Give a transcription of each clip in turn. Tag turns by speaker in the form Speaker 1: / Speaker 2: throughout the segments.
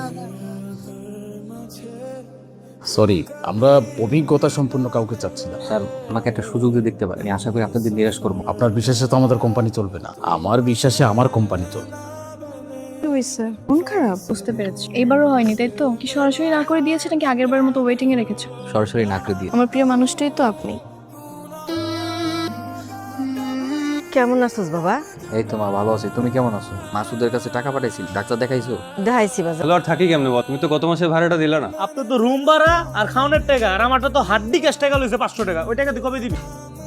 Speaker 1: Sorry, আমরা অভিজ্ঞতা সম্পন্ন কাউকে চাচ্ছি না।
Speaker 2: স্যার, আমাকে একটা সুযোগ দিয়ে দেখতে পারেন, আশা করি আপনাদের নিরাশ করবো।
Speaker 1: আপনার বিশ্বাসে তো আমাদের কোম্পানি চলবে না, আমার বিশ্বাসে আমার কোম্পানি চলবে।
Speaker 3: মন খারাপ, বুঝতে পেরেছি। এইবারও হয়নি তাই তো? কি সরাসরি না করে দিয়েছে নাকি আগের বারের মতো ওয়েটিং এ রেখেছো?
Speaker 2: সরাসরি না করে দিয়ে।
Speaker 3: আমার প্রিয় মানুষটাই তো আপনি।
Speaker 4: কেমন আছিস বাবা?
Speaker 2: এই তো মা, ভালো আছি। তুমি কেমন আছো? মাসুদের কাছে টাকা পাঠাইছি, ডাক্তার দেখাইছো?
Speaker 4: দেখাইছি বাজার।
Speaker 5: তাহলে আর থাকি কেমনে বল? তুমি তো গত মাসে ভাড়াটা দিলা না।
Speaker 6: আপনার তো রুম ভাড়া আর খাওয়ানোর টাকা, আর আমারটা তো হাড্ডি ক্যাশ টাকা লইছে 500 টাকা। ওই টাকা তুই কবে দিবি?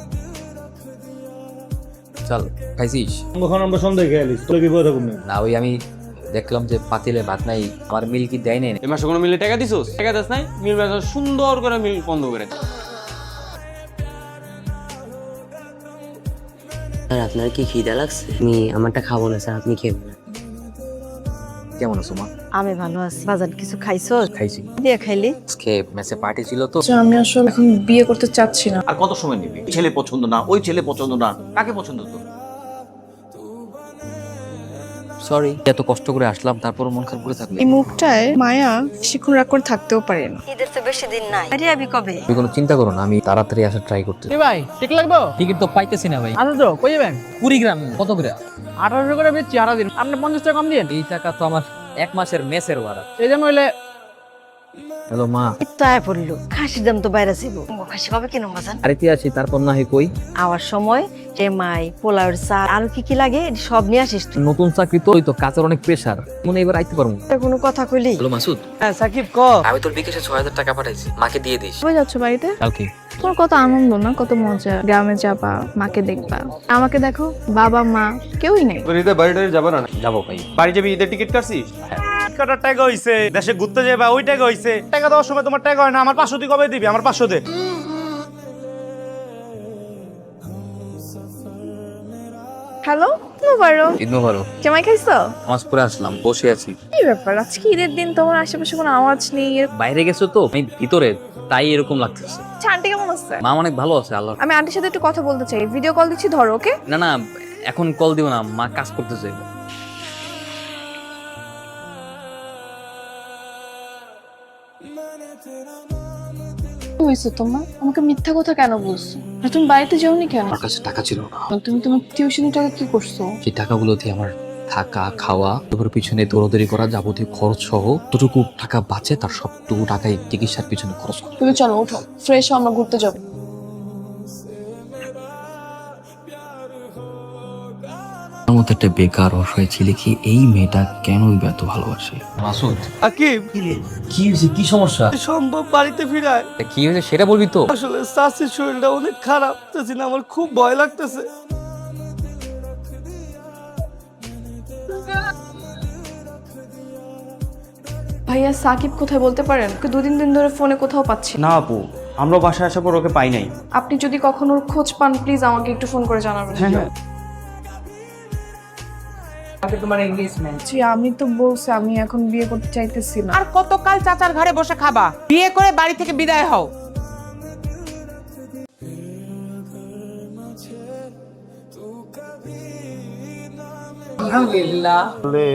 Speaker 2: চল, খাইছিস?
Speaker 6: কখন আমরা সন্ধ্যায় খেয়ে আলিস, তোর বিপদ হবে না।
Speaker 2: না, ওই আমি দেখলাম যে পাতিলে ভাত নাই, আমার মিল কি দেয় নাই।
Speaker 5: এই মাসে কোনো মিলে টাকা দিছোস? টাকা দিস নাই? মিল বেচা সুন্দর করে মিল বন্ধ করে দে।
Speaker 7: স্যার আপনার কি খিদা লাগছে? আমি আমারটা খাবো না স্যার, আপনি খেয়ে নেন।
Speaker 2: কেমন আছো মা?
Speaker 4: আমি ভালো আছি। বাজার কিছু খাইছো?
Speaker 2: খাইছি।
Speaker 4: দিয়ে খাইলি?
Speaker 2: আজকে মেসে পার্টি ছিল তো।
Speaker 3: আমি আসলে এখন বিয়ে করতে চাচ্ছি না।
Speaker 8: আর কত সময় নিবি? ছেলে পছন্দ না, ওই ছেলে পছন্দ না, কাকে পছন্দ তো?
Speaker 2: সরি, এত কষ্ট করে আসলাম, তারপর মন খারাপ করে থাকলে।
Speaker 3: এই মুখটায় মায়া শিক্ষণ রাগ করে থাকতেও পারে না।
Speaker 4: ঈদের তো বেশি দিন নাই। আরে আমি কবে?
Speaker 2: তুমি কোনো চিন্তা করো না, আমি তাড়াতাড়ি আসার ট্রাই করতে।
Speaker 9: ভাই ঠিক লাগবো?
Speaker 2: টিকিট তো পাইতেছি না ভাই।
Speaker 9: আচ্ছা তো কই যাবেন?
Speaker 2: কুড়িগ্রাম। কত করে?
Speaker 9: 1800 করে বেচছি, 18 দিন। আপনি 50 টাকা কম দিন।
Speaker 2: এই টাকা তো আমার এক মাসের মেসের ভাড়া।
Speaker 9: এই যে নইলে
Speaker 2: হ্যালো মা।
Speaker 4: তো আয় পড়লো। খাসির দাম তো বাইরে ছিল। খাসি কবে কিনো বাজান?
Speaker 2: আরেতে আসি, তারপর না হয় কই।
Speaker 4: আওয়ার সময় মাই পোলাওর চা আর কি লাগে সব নিয়ে আসিস তুই।
Speaker 2: নতুন চাকরি তো, ওই তো কাজের অনেক প্রেসার, মনে এবার আইতে পারবো।
Speaker 4: কোনো কথা কইলি?
Speaker 2: হ্যালো মাসুদ,
Speaker 6: হ্যাঁ সাকিব ক।
Speaker 2: আমি তোর বিকাশে 6000 টাকা পাঠাইছি, মাকে দিয়ে দিস।
Speaker 3: কবে যাচ্ছ বাড়িতে?
Speaker 2: কালকে।
Speaker 3: তোমার কত আনন্দ না, কত মজা। গ্রামে যাবা, মাকে দেখবা। আমাকে দেখো, বাবা মা কেউই নেই।
Speaker 5: তোর ঈদে বাড়িটা যাবে না?
Speaker 2: যাবো ভাই।
Speaker 5: বাড়ি যাবি? ঈদের টিকিট কাটছিস?
Speaker 6: কাটার টাকা হইছে, দেশে ঘুরতে যাবা ওই টাকা হইছে। টাকা দেওয়ার সময় তোমার টাকা হয় না। আমার 500 তুই কবে দিবি? আমার 500 দে।
Speaker 3: হ্যালো, মোবারক।
Speaker 2: ঈদ মোবারক।
Speaker 3: জামাই খাইছো?
Speaker 2: নামাজ পড়ে আসলাম, বসে আছি।
Speaker 3: কি ব্যাপার, আজকে ঈদের দিন, তোমার আশেপাশে কোনো আওয়াজ নেই?
Speaker 2: বাইরে গেছো তো, আমি ভিতরে, তাই এরকম লাগতেছে।
Speaker 3: আন্টি কেমন আছে?
Speaker 2: মা অনেক ভালো আছে, আল্লাহ।
Speaker 3: আমি আন্টির সাথে একটু কথা বলতে চাই, ভিডিও কল দিচ্ছি, ধরো। ওকে?
Speaker 2: না না, এখন কল দিও না, মা কাজ করতেছে।
Speaker 3: কি হয়েছে তোমার? আমাকে মিথ্যা কথা কেন বলছো? আর তুমি বাড়িতে যাওনি কেন?
Speaker 2: আমার কাছে টাকা ছিল না।
Speaker 3: তুমি তোমার টিউশনের টাকা কি করছো?
Speaker 2: সেই টাকাগুলো দিয়ে আমার থাকা খাওয়া, তারপর পিছনে দৌড়াদৌড়ি করা, যাবতীয় খরচ সহ যতটুকু টাকা বাঁচে তার সবটুকু টাকাই চিকিৎসার পিছনে খরচ করি।
Speaker 3: তুমি চলো, ওঠো, ফ্রেশ হও, আমরা ঘুরতে যাবো।
Speaker 10: আমার মতো একটা বেকার অসহায় ছেলেকে এই মেয়েটা কেন এত ভালোবাসে?
Speaker 2: মাসুদ,
Speaker 6: সাকিব
Speaker 2: কি হয়েছে? কি সমস্যা?
Speaker 6: সম্ভব বাড়িতে ফিরায়।
Speaker 2: কি হয়েছে সেটা বলবি তো।
Speaker 6: আসলে চাচির শরীরটা অনেক খারাপ, চাচি না আমার খুব ভয় লাগতেছে।
Speaker 3: ভাইয়া সাকিব কোথায় বলতে পারেন? ওকে 2-3 দিন ধরে ফোনে কোথাও পাচ্ছি না।
Speaker 5: না আপু, আমরা বাসায় আসার পর ওকে পাই নাই।
Speaker 3: আপনি যদি কখনো ওর খোঁজ পান, প্লিজ আমাকে একটু ফোন করে জানাবেন।
Speaker 5: হ্যাঁ।
Speaker 9: তোমার এনগেজমেন্ট।
Speaker 3: জি, আমি তো বলছি আমি এখন বিয়ে করতে চাইতেছি না।
Speaker 9: আর কতকাল চাচার ঘরে বসে খাবা? বিয়ে করে বাড়ি থেকে বিদায় হও। আলহামদুলিল্লাহ।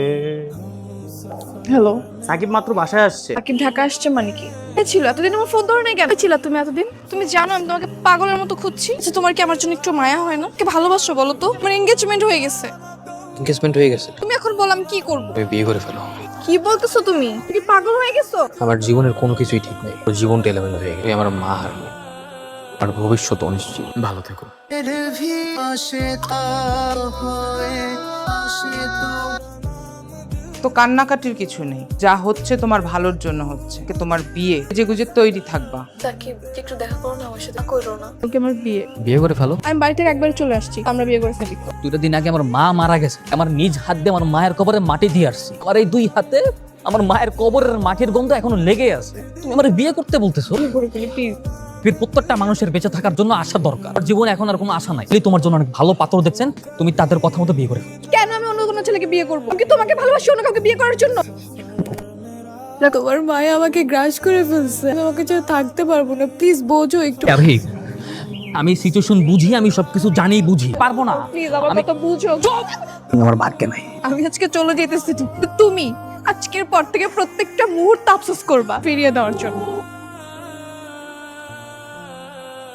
Speaker 3: হ্যালো,
Speaker 6: সাকিব মাত্র বাসায় আসছে।
Speaker 3: সাকিব ঢাকা আসছে মানে কি? ছিল এতদিন আমার ফোন ধরে নাই কেন? ছিল তুমি এতদিন? তুমি জানো আমি তোমাকে পাগলের মতো খুঁজছি। আচ্ছা, তোমার কি আমার জন্য একটু মায়া হয় না? কে ভালোবাসো বলো তো? আমার এনগেজমেন্ট হয়ে গেছে।
Speaker 2: এনগেজমেন্ট হয়ে গেছে?
Speaker 3: তুমি এখন বল আমি কি করব?
Speaker 2: তুমি বিয়ে করে ফেলো।
Speaker 3: কি বলতেছো তুমি? তুমি কি পাগল হয়ে গেছো?
Speaker 2: আমার জীবনের কোনো কিছুই ঠিক নেই, ওর জীবনটা এলোমেলো হয়ে গেছে। আমার মা হারলো, আর ভবিষ্যৎ অনিশ্চিত। ভালো থেকো।
Speaker 9: তো কান্নাকাটির কিছু নেই, যা হচ্ছে তোমার ভালোর জন্য হচ্ছে। তোমার বিয়ে, যে গুজে তৈরি থাকবা।
Speaker 3: সাকিব, একটু দেখা করো না আমার সাথে? করো না, ওকে আমার বিয়ে।
Speaker 2: বিয়ে করে ফেলো।
Speaker 3: আমি বাড়ি থেকে একবার চলে আসছি, আমরা বিয়ে করে ফেলি।
Speaker 2: 2 দিন আগে আমার মা মারা গেছে, আমার নিজ হাত দিয়ে আমার মায়ের কবরে মাটি দিয়ে আসছি। আমার এই 2 হাতে আমার মায়ের কবরের মাটির গন্ধ এখনো লেগে আছে। তুমি আমার বিয়ে করতে বলতেছো? প্রত্যেকটা মানুষের বেঁচে থাকার জন্য আশা দরকার। আমার জীবনে এখন আর কোনো আশা নাই। তোমার জন্য অনেক ভালো পাত্র দেখছেন, তুমি তাদের কথা মতো বিয়ে করে ফেলো।
Speaker 3: কেন আমি অন্য কোনো ছেলেকে বিয়ে করবো? আমি কি তোমাকে ভালোবাসি অন্য কাউকে বিয়ে করার জন্য? তোমার মায়া আমাকে গ্রাস করে ফেলছে, আমি আমাকে ছাড়া থাকতে পারবো না। প্লিজ বোঝো একটু।
Speaker 2: আমি সিচুয়েশন বুঝি, আমি সবকিছু জানি, বুঝি পারবো না।
Speaker 3: প্লিজ আমার কথা বুঝো।
Speaker 2: আমার ভাগ্যে নাই।
Speaker 3: আমি আজকে চলে যেতেছি, তুমি আজকের পর থেকে প্রত্যেকটা মুহূর্ত আফসোস করবা ফিরিয়ে দেওয়ার জন্য।